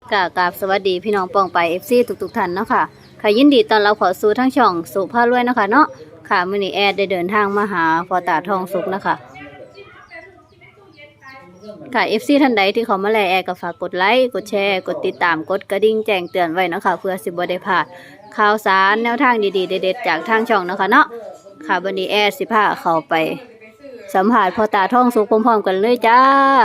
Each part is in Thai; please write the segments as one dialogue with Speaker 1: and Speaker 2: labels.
Speaker 1: กราบสวัสดีพี่น้องปองไป FC ทุกท่านเนาะค่ะค่ะยินดีต้อนรับเขอสู่ทั้งช่องสุภาพรวยเนาะค่ะเนาะค่ะมื้อนี้แอดได้เดินทางมาหาพ่อตาทองสุกนะคะค่ะ FC ท่านใดที่เขามาแลแอดก็ฝากกดไลค์กดแชร์กดติดตามกดกระดิ่งแจ้งเตือนไว้เนาะค่ะเพื่อสิบ่ได้พลาดข่าวสารแนวทางดีๆเด็ดๆจากทางช่องเนาะค่ะเนาะค่ะวันนี้แอดสิพาเข้าไปสัมภาษณ์พ่อตาทองสุกพร้อมๆกันเลยจ้า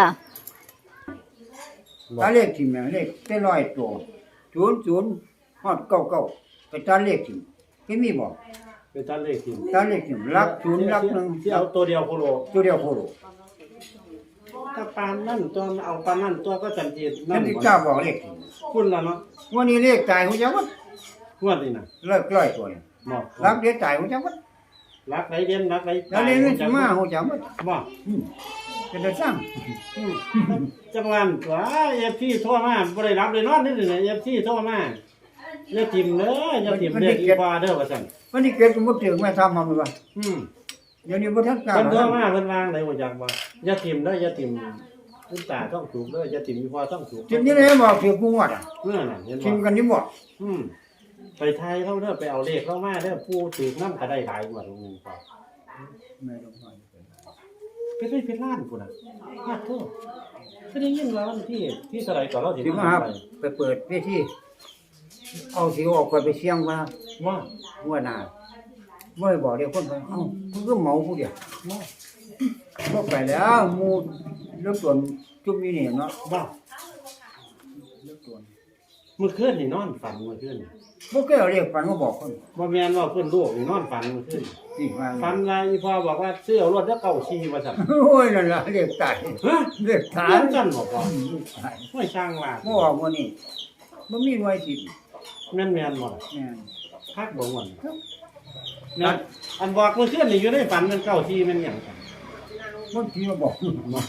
Speaker 2: ตาเลขทิ่มน่ะเลขเป็นร้อยตัว00ฮอด99ไปตาเลขทิ่มที่มีบ่
Speaker 3: เป็นตันเลขทีม
Speaker 2: ตาเลขทิ่มหลัก0หลัก1
Speaker 3: ที่เอาตัวเดียวโคโล
Speaker 2: ตัวเดียวโคโล
Speaker 3: ถ้าปานนั่นตัวเอาปานนั่นตัวก็จันจี
Speaker 2: นั่นที่เจ้าบอกเลขทิ่ม
Speaker 3: คุณล่ะเนาะ
Speaker 2: วันนี้เลขตายฮู้จักบ่
Speaker 3: งวดนี่น่ะ
Speaker 2: เลิกร้อยตัวนี่
Speaker 3: บ่
Speaker 2: หลักเดียวตายฮู้จักบ่
Speaker 3: รักไหนเด่นรักไหน
Speaker 2: แล้วนี่มันสิมาฮู้จักบ่
Speaker 3: บ่
Speaker 2: เป็นได้สร้าง
Speaker 3: จังหวัดตัว FC โทรมาบ่ได้รับเลยนอนนี่น่ะ FC โทรมาอย่าทิ่มเด้ออย่าทิ่มเลขอีกว่าเด้อว่าซั่น
Speaker 2: วันนี้เกิดสมมุติถึงแม่ทำมันว่า
Speaker 3: อืม
Speaker 2: เดี๋ยวนี้บ่ทันกล้า
Speaker 3: เพิ่นโทรมาเพิ่นวางได้บ่จักว่าอย่าทิ่มเด้ออย่าทิ่มคุณตาต้องถูกเด้ออย่าทิ่มอีพอต้องถูก
Speaker 2: ทิ่มนี่เลยบอกถึงกูงวดอ่ะ
Speaker 3: เมื่อน่ะเห็นบ่
Speaker 2: ทิ่มกันนี่บ่
Speaker 3: ไปไทยเขาเด้อไปเอาเลขเข้ามาเด้อผู้ถือน้ำก็ได้หลายกว่าตรงนึงพอ
Speaker 2: แม่ต้องไป
Speaker 3: เป็นล้านพุ่นน่ะมากโทษก็ได้ยินว่าวันที่เท่าไหร่ก่อนเราสิ
Speaker 2: สิมาครับไปเปิดเวทีเอาสิออกไปเสียงว่า
Speaker 3: ว่า
Speaker 2: หัวหน้าบ่ได้บอกเดี๋ยวคนไปเอ้าเพิ่นก็เมาผู้เดียวบ่ไปแล้วหมู่เริ่มต้นจุ่มอยู่นี่เนาะ
Speaker 3: ว่า
Speaker 2: เริ่มต้น
Speaker 3: เมื่อคืนนี่นอนฝันเมื่อคืน
Speaker 2: บ่เคยเอาเรียกฝันมาบอกคน
Speaker 3: บ่แม่นว่าเพิ่นลูกนี่นอนฝันเมื่อคืน
Speaker 2: สิว่า
Speaker 3: ฝันว่าอีพ่อบอกว่าซื้อเอารถแล้วเก่าชีว่าซั่น
Speaker 2: โอ้ยนั่นล่ะเรียกตาย
Speaker 3: ฮะ
Speaker 2: เรียกตา
Speaker 3: เรี
Speaker 2: ย
Speaker 3: ยนจันบ่พอ
Speaker 2: ตาย
Speaker 3: ห้วยช่างว่า
Speaker 2: บ่ออกมื้อนี้บ่มีหน่วยสิ
Speaker 3: แม่นบ่ล่ะ
Speaker 2: แม่น
Speaker 3: คักบ่ม่วนนั่นอันบอกเมื่อคืนนี่อยู่ในฝันมันเก่าชีมันหยังกัน
Speaker 2: มันสิมาบอก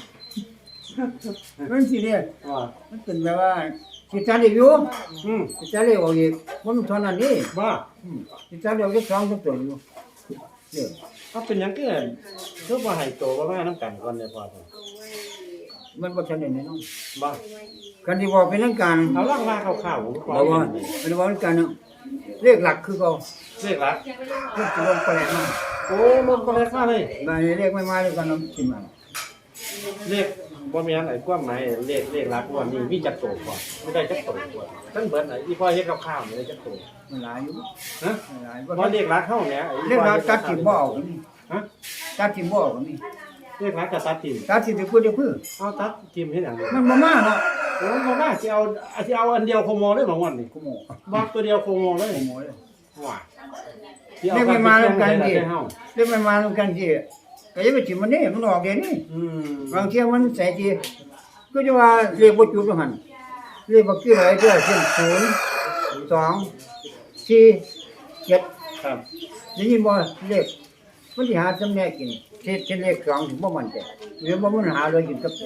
Speaker 2: มันสิเด้
Speaker 3: ว่า
Speaker 2: มันเป็นแบบว่าสิจัดอีกอยู่
Speaker 3: อืม
Speaker 2: สิจัดเลยออกอีกบ่มีเท่านั้นนี่
Speaker 3: ว่า
Speaker 2: สิจัดเดี๋ยวจะ2ตัวอยู่เด้อ
Speaker 3: เขาเป็นหยังเกินคือบ่ให้โตบ่มานํกันก่อนเลยพอซั่น
Speaker 2: มันบ่ทันได้แน่นอน
Speaker 3: บ่
Speaker 2: กันที่บอกเป็นเรื่องการ
Speaker 3: เอาล่างมาข่าวๆผม
Speaker 2: บอกว่าเป็นบอกเรื่องการเนาะเลขหลักคือเขา
Speaker 3: เลขละ
Speaker 2: คือจะลงไปแล้วมา
Speaker 3: โอ้ลงก็เลขมาเลย
Speaker 2: บางเลขไม่มาเลยกันเนาะสิมา
Speaker 3: เลขบ่มีอันไหนความหมายเลขลักวันนี้มีจักโตก่อนไม่ได้จักโตก่อนทั้งเบิดไหนอีพ่อเฮ็ดกับข้าวนี่ได้จักโต
Speaker 2: มันหลายอยู่
Speaker 3: ฮะ
Speaker 2: มันหลาย
Speaker 3: บ่เลขลักเฮาแหม
Speaker 2: เลขหลักตัดถิ่มบ่เอานี่
Speaker 3: ฮะ
Speaker 2: ตัดถิ่มบ่เอานี่
Speaker 3: เลขลักก็ตัดทิ่ม
Speaker 2: ตัดถิ่มไปพูดเดี๋ยวพื้น
Speaker 3: เอาตัดทิ่มเฮ็ดหยัง
Speaker 2: มันบ่มาเนาะ
Speaker 3: โอ้บ่ว่าสิเอาอันเดียวโคโมเลยบางวันนี่
Speaker 2: กูโม่
Speaker 3: บอกตัวเดียวโคโมเลย
Speaker 2: กูโม่เลย
Speaker 3: ว่า
Speaker 2: เลขไม่มาแล้วกัน
Speaker 3: ดิ
Speaker 2: ดิเลขไม่มาแล้วกันดิก็อย่าไปถิ่มมันนี่มันออกเดี๋ยวนี้ บางเที่ยมันใส่ทีก็จะว่าเลขบ่จุดว่าหั่นเลขบ่คืออะไรเด้อเช่น0 2 4 7
Speaker 3: ครับ
Speaker 2: ได้ยินบ่เลขมันสิหาจำแนกกินเช่นเลข2ถึงบ่มั่นใจหรือบ่มันหาเลยกินกับ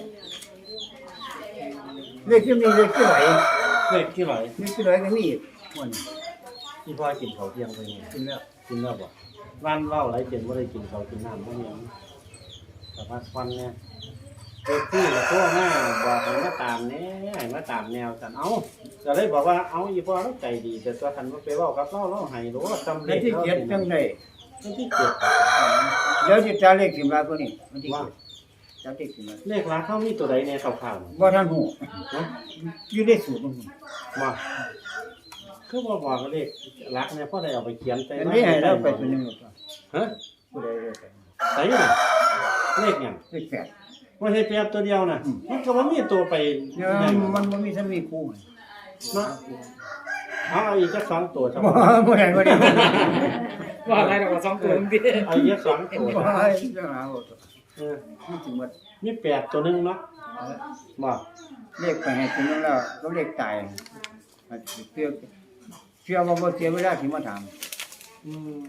Speaker 2: เลขที่มีเลขที่ไหล
Speaker 3: เลขที่ไหน
Speaker 2: เลขที่ไหลก็มีอีกมัน
Speaker 3: อีพ่อกินข้าวเที่ยงไปนี่
Speaker 2: กินแล้ว
Speaker 3: กินแล้วบ่วันเว้าหลายเจนบ่ได้กินข้าวกินน้ำบ่มีหยังแต่ว่าควันเนี่ยเด็กที่ละตัวมาบอกให้มาตามแหน่ให้มาตามแนวกันเอ้าก็เลยบอกว่าเอาอีพ่อเราใจดีแต่ตัวคันบ่ไปเว้ากับเราให้รู้ว่าจำเล
Speaker 2: แล้ว
Speaker 3: ข
Speaker 2: ที่เจ็ดจังได๋
Speaker 3: วันที่เจ็ด
Speaker 2: เดี๋ยวสิจาเลขสิมาตัวนี้มันที่จาเลขสิมา
Speaker 3: เลขร้านเขามีตัวใดในข่าวๆ
Speaker 2: บ่ทันฮู้
Speaker 3: นะ
Speaker 2: อยู่ในสูตรมัน
Speaker 3: มาคือบ่บอกว่าเลขรักเนี่ยพ่อได้เอาไปเขียนแต่
Speaker 2: อันนี้ให้เราไปตัวนึง
Speaker 3: ฮะ
Speaker 2: ผู้ใดได้ไป
Speaker 3: ใส่น่ะเลขหยัง
Speaker 2: เลข8
Speaker 3: ว่าเฮ็ดแป๊บตัวเดียวน่ะมันก็บ่มีตัวไป
Speaker 2: เนี่ยมันบ่มีสามีคู่
Speaker 3: เนาะเอาอีกจัก2ตัวซะ
Speaker 2: บ่บ่ได้บ่ได้
Speaker 4: ว่าอะไรเราก็สองตัวพี่
Speaker 3: เอาอีก2ตัว
Speaker 2: บ่
Speaker 3: ซะ
Speaker 2: ได้จะหาบ่
Speaker 3: เออ
Speaker 2: มันสิหมด
Speaker 3: มี8ตัวหนึงเนาะบ่
Speaker 2: เลขไปให้กินแล้วก็เลขตายเชื่อว่าบ่เสียเวลาสิมาถาม
Speaker 3: อืม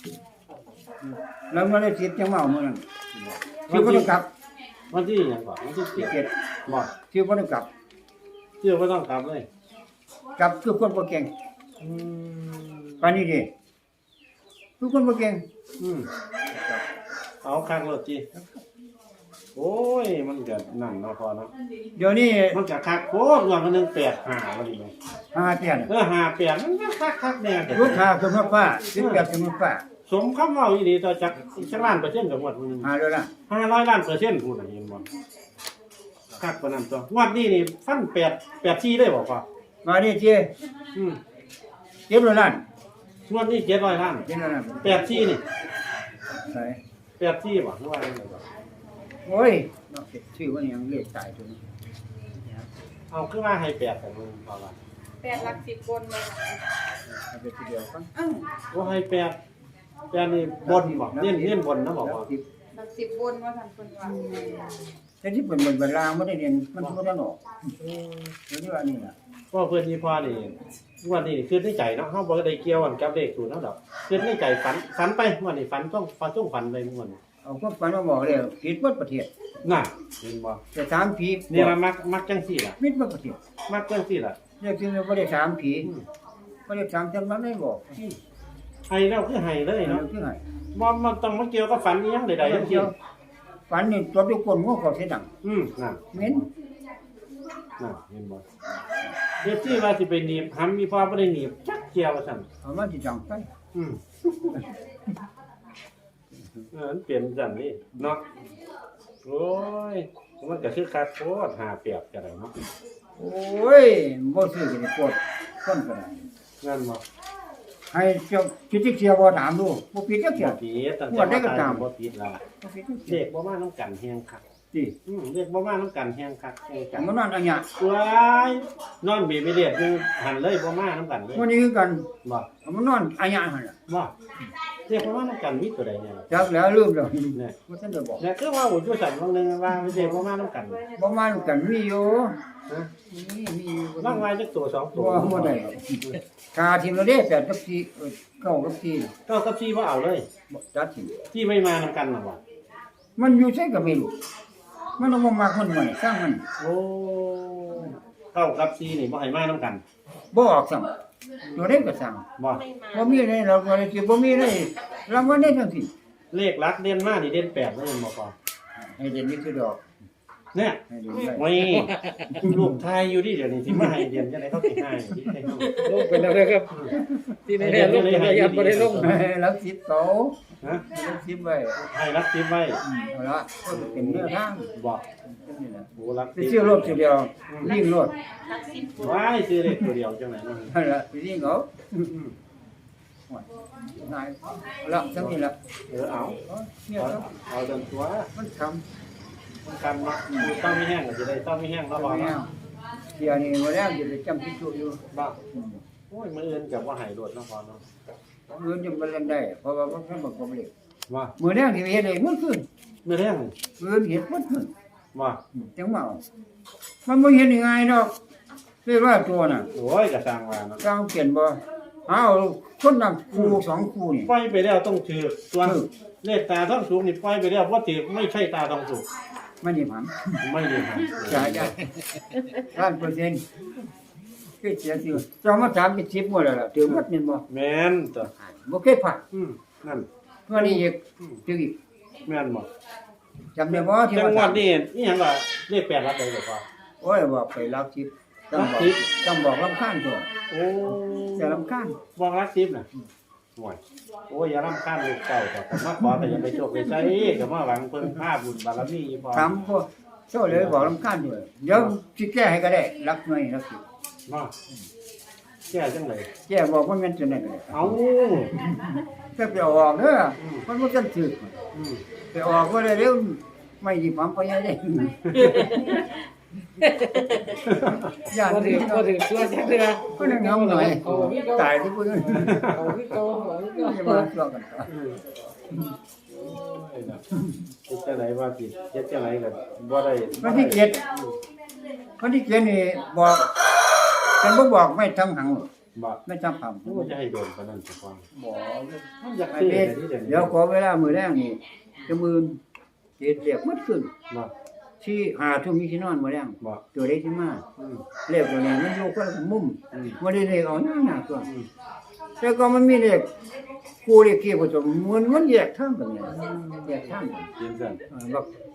Speaker 2: แล้วมันได้สิทธิ์จังเมามื้อนั้นชื่อบ่ต้องกลับ
Speaker 3: วันที่หยังก่อนวันที่
Speaker 2: ที่
Speaker 3: 7
Speaker 2: เจ็ด
Speaker 3: บ่
Speaker 2: ชื่อบ่ต้องกลับ
Speaker 3: ชื่อบ่ต้องกลับเลย
Speaker 2: กลับคือคนบ่เก่ง
Speaker 3: อืม
Speaker 2: ปานนี้ดิคือคนบ่เก่ง
Speaker 3: เอาข้างรถจีโอ้ยมันก็นั่นเนาะพอเนาะ
Speaker 2: เดี๋ยวนี้
Speaker 3: มันก็คักโคตรว่ามันนึง85ว่าดีไหม
Speaker 2: หาเตียน
Speaker 3: 58มันก็คักแน่แต่
Speaker 2: ลูกค้าสมมติว่า18สมมติว่า
Speaker 3: สมคำเว้าอีหลีต่อจากจักล้านเปอร์เซ็นต์กับงวดนึง
Speaker 2: หาแล้วล่ะ
Speaker 3: 500ล้านเปอร์เซ็นต์พูดน่ะเห็นบ่คักปานนั้นตัวงวดนี้นี่ฟัน84ได้บ่พ่อ
Speaker 2: มาดิเจ้
Speaker 3: อืม
Speaker 2: เก็บแล้วล้าน
Speaker 3: งวดนี้700ล้าน
Speaker 2: เก็บแล้วล้าน
Speaker 3: 84นี่
Speaker 2: ใส่
Speaker 3: 84บ่หรือว่าจังไดบ่
Speaker 2: โอ้ยนอกจากชื่อว่ายังเลขตายตัวนี้
Speaker 3: เอาคือว่าให้8กันมึงพอว่า
Speaker 5: 8 หลัก 10 บนเลย
Speaker 2: เอาไปทีเดียวกัน
Speaker 3: บ่ให้8นี่บนบ่เน้นบนนะบอกว่า
Speaker 5: หลัก 10 บนว่าท่านเพิ่นว่า
Speaker 2: แต่ที่เป็นเวลาไม่ได้เรียนมันบ่ได้ออกเดี๋ยวนี้ว่านี่ล่ะ
Speaker 3: ก็เพื่อนที่พ่อนี่วันนี้คือในใจเนาะเฮาบ่ได้เกี่ยวกันกับเลขศูนย์เฮาดอกคือในใจฝันไปวันนี้ฝันต้องฝันไปม่วน
Speaker 2: เอาความฝันมาบอกเลยผิดหมดประเทศ
Speaker 3: น่ะเห็นบ่
Speaker 2: แต่ถามผี
Speaker 3: นี่ล่ะมักจังซี่ล่ะ
Speaker 2: มิดหมดประเทศ
Speaker 3: มักจังซี่ล่ะ
Speaker 2: เรียกจริงๆบ่ได้ถามผีบ่ได้ถามจำนั้นได้บอก
Speaker 3: ให้แล้วคือให้เลยเนาะ
Speaker 2: คือไง
Speaker 3: บ่มันต้องมาเกี่ยวกับฝันอีหยังใดๆทั้งสิ้น
Speaker 2: ฝันนี่ตัวทุกคนงูเขาเสียดัง
Speaker 3: นั่น
Speaker 2: เหม็น
Speaker 3: นั่นเห็นบ่เดี๋ยวที่ว่าสิไปหนีบหำมีพ่อบ่ได้หนีบจักเกี่ยวว่าซั่น
Speaker 2: เอามาสิจังไป
Speaker 3: อืมมันเปลี่ยนจังนี่เนาะโอ้ยมันก็คือคักโคตรหาเปรียบกันเนาะ
Speaker 2: โอ้ยบ่ซื้อกันปวดคนก็ได้
Speaker 3: งั้นบ่
Speaker 2: ให้เจ้าคิดที่เสียบ่ถามดูบ่ผิดจักเสีย
Speaker 3: บ่ผิดตั้ง
Speaker 2: งวดได้ก็ตาม
Speaker 3: บ่ผิดล่ะ
Speaker 2: บ่ผิดจักเสี
Speaker 3: เด็
Speaker 2: ย
Speaker 3: กบ่มาน้ำกันแฮงคัก
Speaker 2: ติ
Speaker 3: เด็กบ่มาน้ำกันแฮงคักแฮง
Speaker 2: จั
Speaker 3: กั
Speaker 2: ง
Speaker 3: น
Speaker 2: มันนอนอันเนี้ย
Speaker 3: ว้ายนอนเบียดเรียดอยู่หันเลยบ่มาน้ำกันเลย
Speaker 2: วันนี้คือกัน
Speaker 3: บ่
Speaker 2: มันนอนอันเนี้ยหั่นล่ะ
Speaker 3: บ่เด็กบ่มาน้ำกันมีตัวใดเนี่ย
Speaker 2: จักแล้วลืมแล้ว
Speaker 3: เนี่ย
Speaker 2: บ่ทันได้บอก
Speaker 3: เนี่ยคือว่าอยู่สั่นบางนึงว่าเด็กบ่มาน้ำกัน
Speaker 2: บ่มากันมีอยู่
Speaker 3: ฮะ
Speaker 2: มีอยู่
Speaker 3: บางว่าจักตัว2ตัว
Speaker 2: บ่ได้คาทีมเราเด้8กับ49กับ4
Speaker 3: ก็กับที่บ่เอาเลย
Speaker 2: บ่จัดที
Speaker 3: ที่ไม่มาน้ำกันน่ะบ่
Speaker 2: มันอยู่ใช่ก็ไม่รู้มันต้องมากมันมันสร้างมัน
Speaker 3: โอ้เข้ากับซีนี่บ่ให้มาน้ำกัน
Speaker 2: บ่ออกซ้ํตัวเด็กก็สร้าง
Speaker 3: บ่
Speaker 2: บ่มีได้เราก็เลยสิบ่มีได้รางวัลได้ทั้งสิ้น
Speaker 3: เลขลักเด่นมานี่เด่น8เลยบ่พอ
Speaker 2: ให้เด่นนี่คือดอก
Speaker 3: เนี่ย
Speaker 2: ให้เด่นได้
Speaker 3: ไม่ลูกไทยอยู่ดิเดี๋ยวนี้ที่มาให้เรียนจะได้เขาสิให้ที่ให้เขา
Speaker 4: ลงเป็นอะไรครับ ที่ในแน่ลงเป็นระยะบ่ได้ลง
Speaker 2: แล้วสิโต
Speaker 3: ฮะ
Speaker 2: แล้วสิไว้
Speaker 3: ให้รักทิพไว้
Speaker 2: เอาละก็เป็นเนื้อทาง
Speaker 3: บอก
Speaker 2: นี่ล่ะ
Speaker 3: โหรัก
Speaker 2: สิ
Speaker 3: ทิพ
Speaker 2: ชื่อรถสิเดียวยิ่งรถ
Speaker 5: หลัก 10 บน
Speaker 3: ว้ายซื้อเลขตัวเดียวจังไหนเนาะ
Speaker 2: นั่นล่ะสิยิ่งเอานายละจังนี้ล่ะ
Speaker 3: เอา
Speaker 2: เนี่ยครับ
Speaker 3: เอาจนตัว
Speaker 2: มันทำ
Speaker 3: มันกันเนาะคือต้องไม่แห้งก็จะได้ต้องไม่แห้งแล้วรอ
Speaker 2: แล้
Speaker 3: เนาะ
Speaker 2: วเดี๋ยวนี้มาแล้วจะไปจำที่ตัวอยู่
Speaker 3: บ้าโอ้ยมืออื่นกับว่าหายโดดเนาะพอเนาะ
Speaker 2: เงินจะมาเล่นได้เพราะว่ามันบอกผมเลย
Speaker 3: ว่า
Speaker 2: มือแรกที่เฮ็ดเลยมันขึ้น
Speaker 3: มือแห้ง
Speaker 2: มือเฮ็ดมันขึ้น
Speaker 3: ว่า
Speaker 2: จังว่ามันบ่เฮ็ดง่ายดอกเรียกว่าตัวน่ะ
Speaker 3: โอ้ยกระสังว่าเนาะ
Speaker 2: กลางเปลี่ยนบ่เอาคนนำคู่2คู่นี่
Speaker 3: ปล่อยไปแล้วต้องถือส่วนเลขตาต้องสูงนี่ปล่อยไปแล้วว่าถือไม่ใช่ตาต้องสูง
Speaker 2: มันนี่ผัน
Speaker 3: ไม่ดีครับ
Speaker 2: จ่ายได้100%คือเสียสิเจ้ามาถามเป็น10หมดแล้วล่ะถือหมดนี่บ่
Speaker 3: แม่นตัว
Speaker 2: บ่เคยผ่าน
Speaker 3: นั่น
Speaker 2: วันนี้อีกถืออีก
Speaker 3: แม่นบ่
Speaker 2: จำได้บ่ที่
Speaker 3: จัง
Speaker 2: ว่า
Speaker 3: หวั
Speaker 2: ถา
Speaker 3: ด
Speaker 2: ม
Speaker 3: นี้นี่หยังว่าเลข8รับได้บ่พอ
Speaker 2: โอ้ยบอกไปรักทิพย์ต้องบอกรำคาญตัว
Speaker 3: โอ้
Speaker 2: จะรำคาญ
Speaker 3: บอกรักทิพย์น่ะห่วยโอ้ยอย่ารำคาญลูกเก่าแต่มาขอแต่อย่าไปโชคไปใช้ก็มาหวังเพิ่นภาบุญบารมีพอ
Speaker 2: ถามพวกเจ้าเลยบอกรำคาญด้วยเดี๋ยวสิแก้ให้ก็ได้รักหน่อยรักทิพย์
Speaker 3: เนาะแก้จังได๋
Speaker 2: แก้บอกว่ามันจะไหนก็ได้
Speaker 3: เอ้า
Speaker 2: ถ้าไปออกเด้อมันบ่ทันถึก
Speaker 3: อืม
Speaker 2: ไปออกก็ได้เร็วไม่หยิบหำไปยังได้ย่าน
Speaker 4: บ่ถึ
Speaker 2: นี้
Speaker 4: งบ่ถึงตัวจักเทื่อ
Speaker 2: ก็นั่งเงาหน่อย
Speaker 4: เอาพี่เก่า
Speaker 2: ตายที่พุ่น
Speaker 4: เอาพี่เก่าเอาพี่เก่า
Speaker 2: จะมาตัวกันต่อ
Speaker 3: โอ้ยน่ะเฮ็ดจังไดว่าสิเฮ็ดจังไดก็บ่ได้
Speaker 2: วันที่7นี่บอกฉันบ่บอกไม่ทำหัง
Speaker 3: บ่
Speaker 2: ไม่ทำหัง
Speaker 3: มันจะให้โดนปานนั้นสิฟัง
Speaker 2: บอก
Speaker 3: มันอยากซื้อแต่นี่เดี๋ยวนี้
Speaker 2: เดี๋ยวขอเวลามือแรกนี่จะมือเจ็ดเรียกมัดขึ้น
Speaker 3: บ่
Speaker 2: ที่หาทุ่มนี้ที่นอนมือแรก
Speaker 3: บ่
Speaker 2: ตัวเล็กที่มา
Speaker 3: อืม
Speaker 2: เรียกตัวนี้มันอยู่คนละมุม
Speaker 3: อืม
Speaker 2: มันได้เรียกเอาหน้าตัวแต่ก็มันมีเรียกกูเรียกเกี่ยวกับตัวมันแยกทางกันเนี่ยแยกทางกัน
Speaker 3: เย็นซั่น
Speaker 2: บอก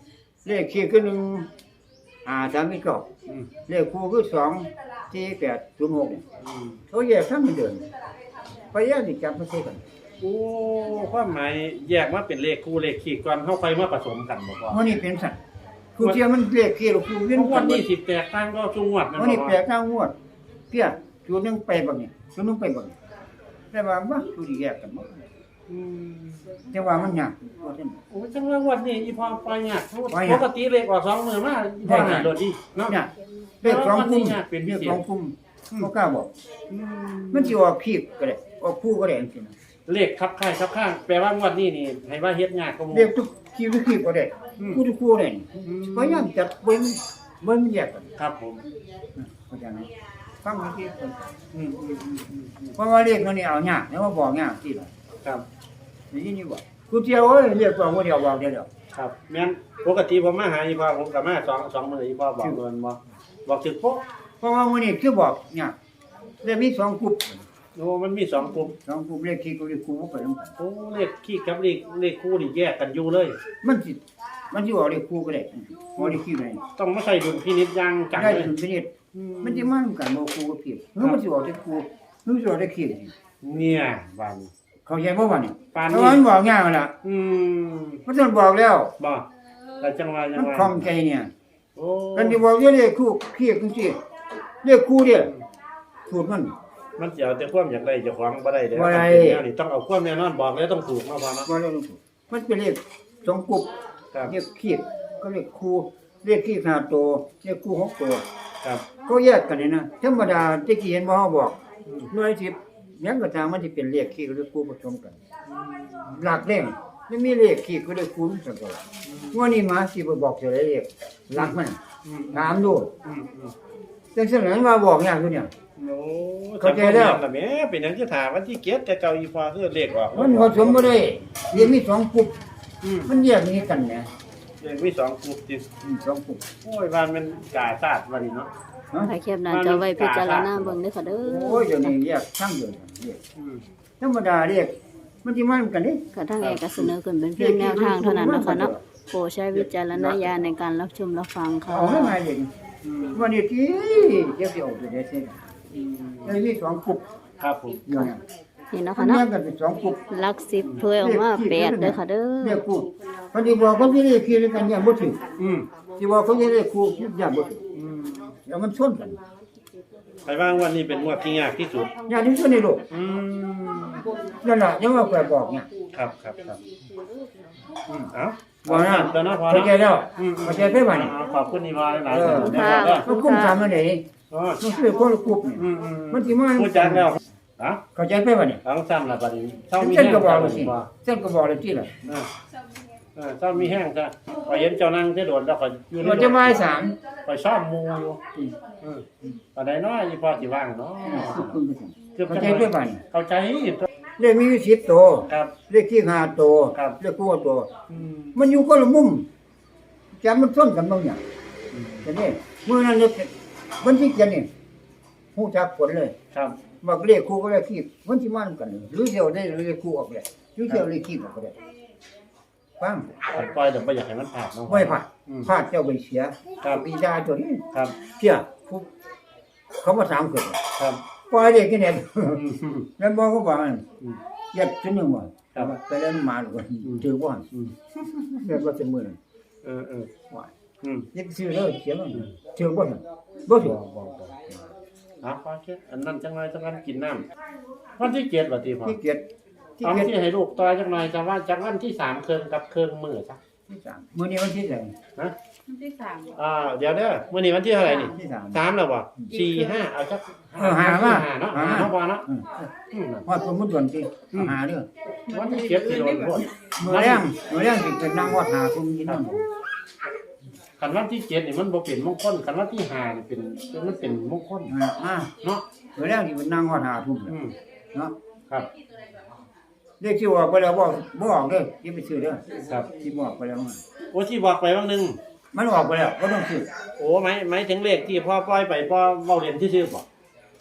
Speaker 2: เลขขี้คือ1 5 3 9
Speaker 3: อืม
Speaker 2: เลขคู่คือ2 4 8 0 6
Speaker 3: อืม
Speaker 2: เขาแยกทั้งเหมือนเดิมพยายามที่จับมาใส่กัน
Speaker 3: โอ้ความหมายแยกมาเป็นเลขคู่เลขขีดก่อนเฮาค่อยมาผสมกันบ่พ่อ
Speaker 2: วันนี้เป็นสัตว์คู่เทียมมันเลขขี้หรือคู่เวียน
Speaker 3: ทุกวันนี้สิแตกต่างก็ทุกงวดนั่น
Speaker 2: วันนี้
Speaker 3: บ่
Speaker 2: แปลกทางงวดเพี้ยจุดหนึงไปบักนี่จุดหนึงไปบักนี่แต่ว่าบ่จุดที่แยกกันบ่
Speaker 3: อืม
Speaker 2: แต่ว่ามันยากว่าซั่น
Speaker 3: โอ้จังว่างวดนี้อีพ่อปล่อยยาก
Speaker 2: ปล่อยยาก
Speaker 3: ปกติเลขออก2มื้อมาอีพ่อให้โดดดีเนาะ
Speaker 2: เนี่ยเลข2กลุ่ม
Speaker 3: ยากเป็น
Speaker 2: เล
Speaker 3: พิ
Speaker 2: ข
Speaker 3: เศษ
Speaker 2: 2กลุ่มบ่กล้าบอก
Speaker 3: อืม
Speaker 2: มันสิออกขี้ก็ได้ออกคู่ก็ได้จังซี่นะ
Speaker 3: เลขคับค่ายคับข้างแปลว่างวดนี้นี่ให้ว่าเฮ็ดยากกว่าหมู่
Speaker 2: เลขทุกขี้ทุกขี้ก็ได้คู่ทุกคู่ได้นี่
Speaker 3: อืม
Speaker 2: พยายามจับเบิ่งมันแยกกัน
Speaker 3: ครับผม
Speaker 2: เข้าใจไหมฟังเมื่อกี้ก่อน
Speaker 3: อืมอืมอืมอืมอืม
Speaker 2: เพราะว่าเลขมันนี่เอายากแล้วว่าบอกยากที่ล่ะ
Speaker 3: ครับ
Speaker 2: ได้ยินอยู่บ่กูเที่ยวเอ้ยเรียกตัวบ่เดียวบอกเดียว
Speaker 3: ครับแม่นปกติผมมาหาอีพ่อผมก็มา2มื้ออีพ่อบอกเงินบ่บอกถึกโป๊ะ
Speaker 2: เพราะว่ามื้อนี้คือบอกยากแล้วมี2กลุ่ม
Speaker 3: โอ้มันมี2กลุ่ม
Speaker 2: 2กลุ่มเลขขี้กับเลขคู่บ่ไปนำกัน
Speaker 3: โอ้เลขขี้กับเลขคู่นี่แยกกันอยู่เลย
Speaker 2: มันสิออกเลขคู่ก็ได้ออกเลขขี้ได้
Speaker 3: ต้องมาใส่ดุลพินิจอย่างจัง
Speaker 2: ได้
Speaker 3: เลย
Speaker 2: ถึงชนิดมันสิมานำกันบ่คู่กับขี้หรือมันสิออกเลขคู่หรือสิออกเลขขี้
Speaker 3: เนี่ยบัน
Speaker 2: เข้าใจบ่ว่านี่
Speaker 3: ปาน
Speaker 2: เพ
Speaker 3: นี้
Speaker 2: ราะว่ามันบอกยากนั่นล่ะ
Speaker 3: อืม
Speaker 2: มันต้องบอกแล้ว
Speaker 3: บ่แต่จังหวะจั
Speaker 2: มั
Speaker 3: ง
Speaker 2: น
Speaker 3: หวะ
Speaker 2: คล่องใจเนี่ย
Speaker 3: โอ้
Speaker 2: กันสิบอกเลขคู่ขี้จังซี่เลขคู่เด้สูตรมัน
Speaker 3: มันสิเอาแต่ความอยากได้เจ้าของบ่ได้เด้อ
Speaker 2: บ่ได้
Speaker 3: มันเป็นแนวนี่ต้องเอาความแน่นอนบอกแล้วต้องถูกมาพอเนาะ
Speaker 2: บ่ได้ลงทุนมันเป็นเลข2กลุ่ม
Speaker 3: ครับ
Speaker 2: เลขขี้ก็เลขคู่เลขขี้5ตัวเลขคู่6ตัว
Speaker 3: ครับ
Speaker 2: ก็แยกกันนี่นะธรรมดาตะกี้เห็นบ่เฮาบอกหน่วย10หยังก็ตามมันสิเป็นเลขขี้กับเลขคู่ผสมกัน หลักเลขมันมีเลขขี้กับเลขคู่สักตัวว่านี่มาสิบ่บอกเท่าไรเลขหลักมัน
Speaker 3: อืม
Speaker 2: ถามดู
Speaker 3: อืมอืม
Speaker 2: จังซั่นนั้นว่าบอกยากอยู่เนี่ย
Speaker 3: โอ้
Speaker 2: เข้าใจแล้ว
Speaker 3: จำบ่ม่นล่ะแหม่เป็นหยังจะถามวันที่เกียรติแต่เก่าอีพอคือเลขออก
Speaker 2: มันผสมบ่ได้เรียนมี2กลุ่ม
Speaker 3: อืม
Speaker 2: มันแยกหนี้กันนะ
Speaker 3: เลขมี2กลุ่มติ
Speaker 2: 2กลุ่ม
Speaker 3: โอ้ยบ้านมันกาซาดวันนี้เนาะ
Speaker 2: ฮะ
Speaker 1: ถ่ายแคปหน้าจอไว้พิจารณาเบิ่งเด้อค่ะเด้
Speaker 2: โอ้
Speaker 1: อย
Speaker 2: เดี๋ยวนี้แยกทั้งเดียวเรียก
Speaker 3: อืม
Speaker 2: ธรรมดาเรียกมันสิมากันเด้
Speaker 1: กระทั่งแอร์ก็เสนอขึ้นเป็นเพียงแนวทางเท่านั้นนะคะเนาะโปรดใช้วิจารณญาณในการรับชมรับฟังค่ะ
Speaker 2: เอาให้มาเรียก
Speaker 3: อืม
Speaker 2: วันนี้ที่เดี๋ยวสิเอาตัวเด้เส้น
Speaker 3: อืม
Speaker 2: แล้วมี2กลุ่ม
Speaker 3: ครับผม
Speaker 2: อยู่เนี่ย
Speaker 1: นี่นะ
Speaker 2: มั
Speaker 1: คะ
Speaker 2: นแย
Speaker 1: เนาะ
Speaker 2: กกันเป็น2กลุ่ม
Speaker 1: หลักสิบถ้วยออกมา8เด้อค่ะเด้
Speaker 2: เรี
Speaker 1: อย
Speaker 2: กคู่มันสิบอกคนที่เรียกขี้กันอย่างบ่ถึง
Speaker 3: อืม
Speaker 2: สิบอกคนที่เรียกคู่อย่างบ่ถึง
Speaker 3: อืม
Speaker 2: แล้วมันชนกัน
Speaker 3: ไปว่างวันนี้เป็นงวดที่ยากที่สุด
Speaker 2: อย่างที่สุดในโลก
Speaker 3: อืม
Speaker 2: นั่นล่ะยังว่าแกบอกเนี่ย
Speaker 3: ครับครับครับอืมเอ้า
Speaker 2: บ่นะ
Speaker 3: ตัวเนาะพอ
Speaker 2: เข้าใจ
Speaker 3: เนาะ
Speaker 2: แล้ว
Speaker 3: อืม
Speaker 2: เข้าใจไปบ่นี่
Speaker 3: ขอบคุณอีวาหลาย
Speaker 2: เออ
Speaker 3: ๆนะครับ
Speaker 2: มันคุ้มทำมันได้
Speaker 3: อ๋อ
Speaker 2: มันคือคนละกลุ่มนี่
Speaker 3: อืมอืม
Speaker 2: มันสิมา
Speaker 3: พูดจักแล้วอ่ะ
Speaker 2: เข้าใจไปบ่นี่
Speaker 3: เอาซ้ำละบัดนี้เศร้ามี
Speaker 2: เส้น
Speaker 3: แห้ง
Speaker 2: ก็บอก
Speaker 3: จ้ะ
Speaker 2: เลยสิ
Speaker 3: บ่
Speaker 2: เส้นก็บอกเลยที่ล่ะ
Speaker 3: เศร้ามีแห้งจ้ะพอเห็นเจ้านั่งจะโดดแล้วก็อยู่ใน
Speaker 2: มันจะมาสาม
Speaker 3: คอยชอบมูอยู่ปานใดเนาะอีพอสิว่างเนาะ
Speaker 2: เข้าใจไปบ่นี่
Speaker 3: เข้าใจ
Speaker 2: เลขมีอยู่10ตัว
Speaker 3: ครับ
Speaker 2: เลขที่5ตัว
Speaker 3: ครับ
Speaker 2: เลขคู่ตัว
Speaker 3: อืม
Speaker 2: มันอยู่คนละมุมจำมันส้นกันบางอย่างแต่นี่มื้อนั้นเลขมันสิเขียนนี่ฮู้จักผลเลย
Speaker 3: ครับ
Speaker 2: บอกเลขคู่ก็เลขคีบมันสิมานำกันหรือเดียวได้หรือเลขคู่ออกได้หรือเดียวเลขคีบออกก็ได้ฟัง
Speaker 3: ปล่อยเดี๋ยวบ่อยากให้มันผ่านเนาะ
Speaker 2: ไม่ผ่านพลาดเจ้าไปเสีย
Speaker 3: ครับ
Speaker 2: ปีดาตัวนี้
Speaker 3: ครับ
Speaker 2: เสียผู้เขามาถามเกิด
Speaker 3: ครับ
Speaker 2: ปล่อยเด็กกินเอง
Speaker 3: อืม
Speaker 2: แล้วบอกเขาบอกมัน
Speaker 3: อืม
Speaker 2: เย็บชิ้นหนึ่งว่า
Speaker 3: ครับ
Speaker 2: ไปแล้วมาหรือว่าถือว่า
Speaker 3: อืม
Speaker 2: เรียกว่าเป็นมือ
Speaker 3: เออ
Speaker 2: ว่า
Speaker 3: อืม
Speaker 2: เย็บซื้อเลยเสียมันถือว่าบ่ถือ
Speaker 3: อ่ะพอแค่อันนั้นจังไรจังนั้นกินน้ำวันที่7ว่าติพอ
Speaker 2: ที่เกียรติที่
Speaker 3: เอา
Speaker 2: เกียรติ
Speaker 3: ที่ให้ลูกต่อจังหน่อยจะว่าจากวันที่3เคิงกับเคิงมื้อจ้ะ
Speaker 2: ที่สามมื้อนี้วันที่ไหน
Speaker 3: ฮะ
Speaker 5: วันที่สาม
Speaker 3: เดี๋ยวเด้อมื้อนี้วันที่เท่าไหร่นี่
Speaker 2: ที่สาม
Speaker 3: 3แล้วบ่4 5เอาจัก
Speaker 2: หามา
Speaker 3: 5เนาะ
Speaker 2: หา
Speaker 3: หาเนาะบ่เนาะ
Speaker 2: อืม
Speaker 3: อืม
Speaker 2: ว่าสมมุติวันที่หาเด้อ
Speaker 3: วันที่7สิโดนโพด
Speaker 2: มื้อแรงสิเป็นนั่งวัดหาคุมกินน้ำ
Speaker 3: คันวันที่7นี่มันบ่เป็นมงคลคันวันที่5นี่เป็นมันเป็นมงคล
Speaker 2: อ่า
Speaker 3: เนาะ
Speaker 2: มื้อแรงสิเป็นนั่งวัดหาคุม
Speaker 3: อืม
Speaker 2: เนาะ
Speaker 3: ครับ
Speaker 2: เลขที่ออกไปแล้วบ่ออกเด้ออย่าไปซื้อเด้อ
Speaker 3: ครับ
Speaker 2: ที่บอกไปแล้ว
Speaker 3: โอ้ที่บอกไปบางนึง
Speaker 2: มันออกไปแล้วบ่ต้องซื้อ
Speaker 3: โอ้หมายถึงเลขที่พ่อปล่อยไปพ่อเว้าเรียนที่ซื่อบ่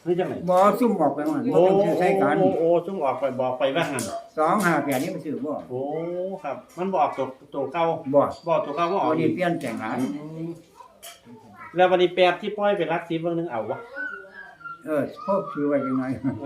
Speaker 3: นี่จังไหน
Speaker 2: บ่ซุ่มออกไปมันบ่
Speaker 3: โอ้
Speaker 2: ต้องซื้อใช้กัน
Speaker 3: โอ้จุ่มออกไปบอกไปว่าหัน
Speaker 2: 258นี่มันซื้อบ่
Speaker 3: โอ้ครับ มันบอกตัวเก่า
Speaker 2: บ่
Speaker 3: บอกตัวเก่าว่าอ
Speaker 2: เอา
Speaker 3: อก
Speaker 2: นี่เปลี่ยนแต่งหลาย
Speaker 3: แล้ววันนี้แปดที่ปล่อยไปรักสีเบางนึงเอาวะ
Speaker 2: พวกซื้อไว้จังไง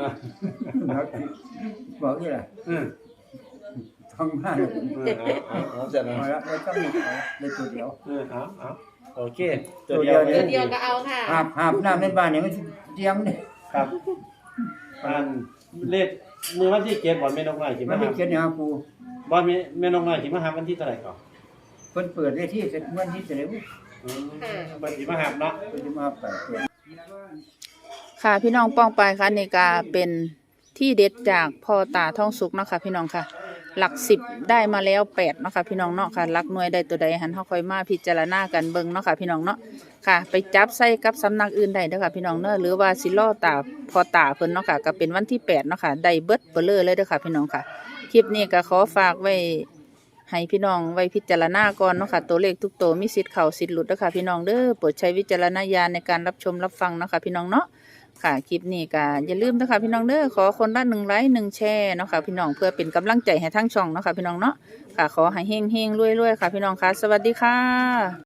Speaker 2: บอกนี่ล่ะ
Speaker 3: อืม
Speaker 2: ต้องมา
Speaker 3: เอาเสร็จแล้ว
Speaker 2: เอาละแล้วต้องมีเอาได้ตัวเดียว
Speaker 3: เอาโอเค
Speaker 2: ตัวเดียว
Speaker 5: ตัวเดียวก็เอาค่ะ
Speaker 2: หาบน้ำในบ้านเนี่ยมันเตรียมเนี่ย
Speaker 3: ครับอันเลขมือวันที่7บ่แม่นกน้อยสิ
Speaker 2: มั
Speaker 3: มาน
Speaker 2: ไม่
Speaker 3: หา
Speaker 2: เขียนอย่างกู
Speaker 3: บ่แม่นกน้อยสิมาหาวันที่เท่าไหร่ก่อน
Speaker 2: เพิ่นเปิดได้ที่เสร็จวันที่เสร็จแล้ว
Speaker 3: บัดสิมาหาเนาะ
Speaker 2: เพิ่นจะมาไปเปิด
Speaker 6: ค่ะพี่น้องป้องไปค่ะนี่ก็เป็นที่เด็ดจากพ่อตาท่องสุกเนาะค่ะพี่น้องค่ะ หลัก10ได้มาแล้ว8เนาะค่ะพี่น้องเนาะค่ะหลักหน่วยได้ตัวใดหันเฮาค่อยมาพิจารณากันเบิ่งเนาะค่ะพี่น้องเนาะค่ะ ไปจับใส่กับสำนักอื่นได้เด้อค่ะพี่น้องเนาะหรือว่าสิล่อตาพ่อตาเพิ่นเนาะค่ะก็เป็นวันที่8เนาะค่ะได้เบิดเบลอเลยเด้อค่ะพี่น้องค่ะคลิปนี้ก็ขอฝากไว้ให้พี่น้องไว้พิจารณาก่อนเนาะค่ะตัวเลขทุกตัวมีสิทธิ์เข้าสิทธิ์หลุดเด้อค่ะพี่น้องเด้อโปรดใช้วิจารณญาณในการรับชมรับฟังเนาะค่ะพี่น้องเนาะค่ะคลิปนี้ก็อย่าลืมนะคะพี่น้องเด้อขอคนละ1 ไลค์ 1 แชร์เนาะค่ะพี่น้องเพื่อเป็นกำลังใจให้ทั้งช่องเนาะค่ะพี่น้องเนาะค่ะขอให้เฮงๆรวยๆค่ะพี่น้องค่ะสวัสดีค่ะ